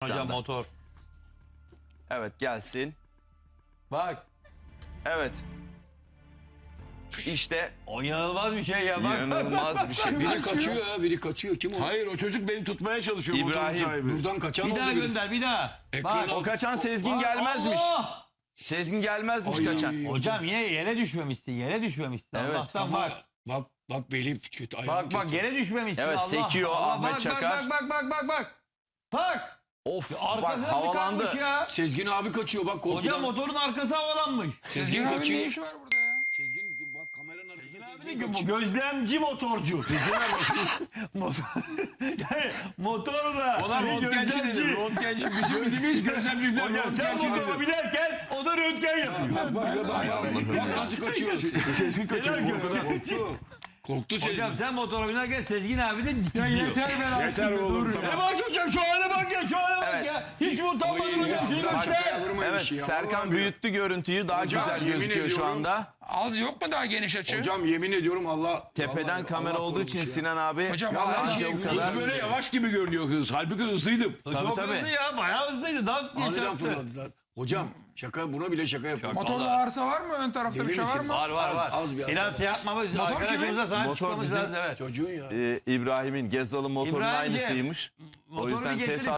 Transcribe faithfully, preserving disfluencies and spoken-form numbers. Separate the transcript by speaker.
Speaker 1: Hocam motor.
Speaker 2: Evet gelsin.
Speaker 1: Bak.
Speaker 2: Evet. İşte
Speaker 1: O inanılmaz bir şey ya. Bak.
Speaker 2: inanılmaz bir şey.
Speaker 3: Biri kaçıyor ya, biri kaçıyor. Kim o?
Speaker 4: Hayır o çocuk beni tutmaya çalışıyor motorun
Speaker 2: İbrahim.
Speaker 4: sahibi.
Speaker 3: Buradan kaçan
Speaker 1: Bir
Speaker 3: oldu
Speaker 1: daha
Speaker 3: birisi.
Speaker 1: gönder bir daha.
Speaker 3: Ekran
Speaker 1: Bak.
Speaker 2: O kaçan Sezgin gelmezmiş.
Speaker 1: Allah!
Speaker 2: Sezgin gelmezmiş
Speaker 3: Ay,
Speaker 2: kaçan.
Speaker 1: Hocam yine yere düşmemişsin. Yere düşmemişsin.
Speaker 2: Evet,
Speaker 1: Allah'tan
Speaker 3: Ama
Speaker 1: bak.
Speaker 3: bak bak belim kötü. ayağım
Speaker 1: Bak bak
Speaker 3: kötü.
Speaker 1: yere düşmemişsin.
Speaker 2: Evet,
Speaker 1: Allah.
Speaker 2: sekiyor
Speaker 1: Allah.
Speaker 2: Ahmet
Speaker 1: bak,
Speaker 2: Çakar.
Speaker 1: Bak bak bak bak bak. Tak.
Speaker 2: Of bak
Speaker 1: Arkasına
Speaker 2: havalandı.
Speaker 1: tıkanmış ya.
Speaker 3: Sezgin abi kaçıyor bak korkudan.
Speaker 1: Hocam motorun arkası havalanmış.
Speaker 3: Sezgin
Speaker 4: Sezgin
Speaker 3: kaçıyor.
Speaker 4: ne işi var burada ya?
Speaker 3: Sezgin bak kameranın arkasında
Speaker 1: Abi
Speaker 3: Sezgin
Speaker 1: de bu
Speaker 3: kaçıyor.
Speaker 1: gözlemci motorcu. Motor, yani motorla.
Speaker 4: Ona
Speaker 1: bir
Speaker 4: röntgenci
Speaker 1: gözlemci.
Speaker 4: dedim. Röntgenci bizim bildiğimiz gözlemciler
Speaker 1: Hocam sen
Speaker 4: röntgenci
Speaker 1: motora
Speaker 4: dedim.
Speaker 1: binerken o da röntgen yapıyor.
Speaker 3: Bak bak bak bak, bak nasıl kaçıyor. Sezgin
Speaker 1: kaçıyor.
Speaker 3: Korktu. Korktu Sezgin.
Speaker 1: Hocam sen motora binerken Sezgin abi de gidiyor. Yeter be
Speaker 4: Yeter oğlum tamam.
Speaker 1: Ne bak hocam şu hale bak ya şu hale bak
Speaker 2: Evet.
Speaker 1: ya. Hiç mi utanmadın
Speaker 3: Ay,
Speaker 1: hocam? Senin
Speaker 3: bak,
Speaker 1: işte.
Speaker 3: ya, vurma bir
Speaker 2: Evet
Speaker 3: şey ya,
Speaker 2: Serkan
Speaker 3: vallahi
Speaker 2: büyüttü görüntüyü daha
Speaker 3: Hocam,
Speaker 2: güzel
Speaker 3: yemin
Speaker 2: gözüküyor şu
Speaker 3: ediyorum.
Speaker 2: anda.
Speaker 4: Az yok mu daha geniş açı?
Speaker 3: Hocam yemin ediyorum Allah.
Speaker 2: Tepeden
Speaker 3: vallahi
Speaker 2: kamera
Speaker 3: Allah
Speaker 2: olduğu için
Speaker 3: korumuş ya.
Speaker 2: Sinan abi.
Speaker 4: Hocam
Speaker 3: Ya
Speaker 4: vallahi
Speaker 3: her şey
Speaker 2: bu
Speaker 4: hız
Speaker 2: kadar.
Speaker 4: böyle yavaş gibi görünüyor hız. Halbuki hızlıydım.
Speaker 2: Tabii,
Speaker 1: Çok
Speaker 2: tabii.
Speaker 1: hızlı ya bayağı hızlıydı. Daha
Speaker 3: Aniden
Speaker 1: geçerse.
Speaker 3: fırladılar. Hocam şaka buna bile şaka yapıyor.
Speaker 4: Motorda arıza var mı? Ön tarafta bir
Speaker 3: Emin
Speaker 4: şey var
Speaker 3: misin?
Speaker 4: mı?
Speaker 1: Var var
Speaker 3: Az-
Speaker 1: var.
Speaker 3: az bir
Speaker 1: Biraz
Speaker 3: hasar.
Speaker 1: şey yapmamız,
Speaker 4: Motor
Speaker 1: arkadaşımıza sahip
Speaker 2: Motor
Speaker 1: çıkmamız
Speaker 2: bizim-
Speaker 1: lazım evet.
Speaker 3: Çocuğun ya.
Speaker 2: Ee, İbrahim'in Gezal'ın motorunun
Speaker 1: İbrahimciğim,
Speaker 2: aynısıymış. O
Speaker 1: motoru
Speaker 2: yüzden
Speaker 1: bir
Speaker 2: test
Speaker 1: getirin.